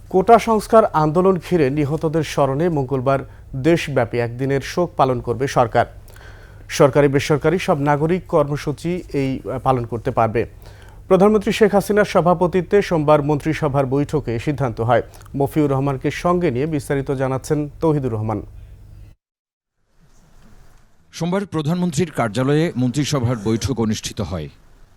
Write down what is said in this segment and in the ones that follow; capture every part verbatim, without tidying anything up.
কোটা সংস্কার আন্দোলন ঘিরে নিহতদের স্মরণে মঙ্গলবার দেশব্যাপী একদিনের শোক পালন করবে সরকার। সরকারি বেসরকারি সব নাগরিক কর্মসূচি এই পালন করতে পারবে। প্রধানমন্ত্রী শেখ হাসিনার সভাপতিত্বে সোমবার মন্ত্রিসভার বৈঠকে সিদ্ধান্ত হয়। মফিউর রহমানকে সঙ্গে নিয়ে বিস্তারিত জানাচ্ছেন তৌহিদুর রহমান। সোমবার প্রধানমন্ত্রীর কার্যালয়ে মন্ত্রিসভার বৈঠক অনুষ্ঠিত হয়।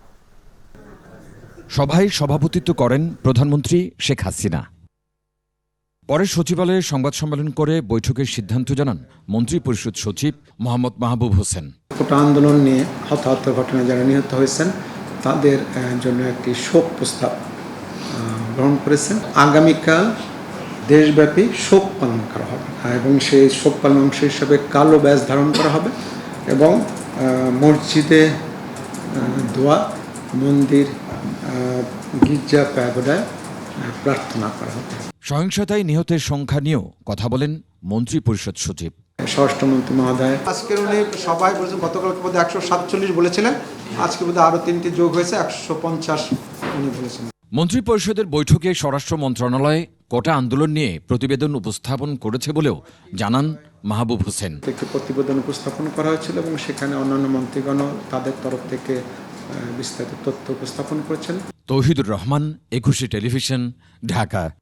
সভায় সভাপতিত্ব করেন প্রধানমন্ত্রী শেখ হাসিনা। পরে সচিবালয়ে সংবাদ সম্মেলন করে বৈঠকের সিদ্ধান্ত জানান মন্ত্রিপরিষদ সচিব মোহাম্মদ মাহবুব হোসেন। কোটা আন্দোলন নিয়ে হতাহত ঘটনায় যারা নিহত হয়েছেন তাদের জন্য একটি শোক প্রস্তাব গ্রহণ করেছেন। আগামীকাল দেশব্যাপী শোক পালন করা হবে এবং সেই শোক পালন অংশ হিসাবে কালো ব্যাজ ধারণ করা হবে এবং মসজিদে দোয়া, মন্দির, গির্জা, প্যাগোডায় প্রার্থনা করা হবে। সহিংসতায় নিহতের সংখ্যা নিয়েও কথা বলেন মন্ত্রিপরিষদ সচিব। স্বরাষ্ট্রমন্ত্রী মহোদয় আজকের উনি সবাই বলেছেন, গতকালকে বোধহয় একশো সাতচল্লিশ বলেছিলেন, আজকে বোধহয় আরও তিনটি যোগ হয়েছে একশো পঞ্চাশ উনি বলেছেন। মন্ত্রিপরিষদের বৈঠকে স্বরাষ্ট্র মন্ত্রণালয় কোটা আন্দোলন নিয়ে প্রতিবেদন উপস্থাপন করেছে বলেও জানান মাহবুব হোসেন। একটি প্রতিবেদন উপস্থাপন করা হয়েছিল এবং সেখানে অন্যান্য মন্ত্রীগণও তাদের তরফ থেকে বিস্তারিত তথ্য উপস্থাপন করেছেন। তৌহিদুর রহমান, একুশে টেলিভিশন, ঢাকা।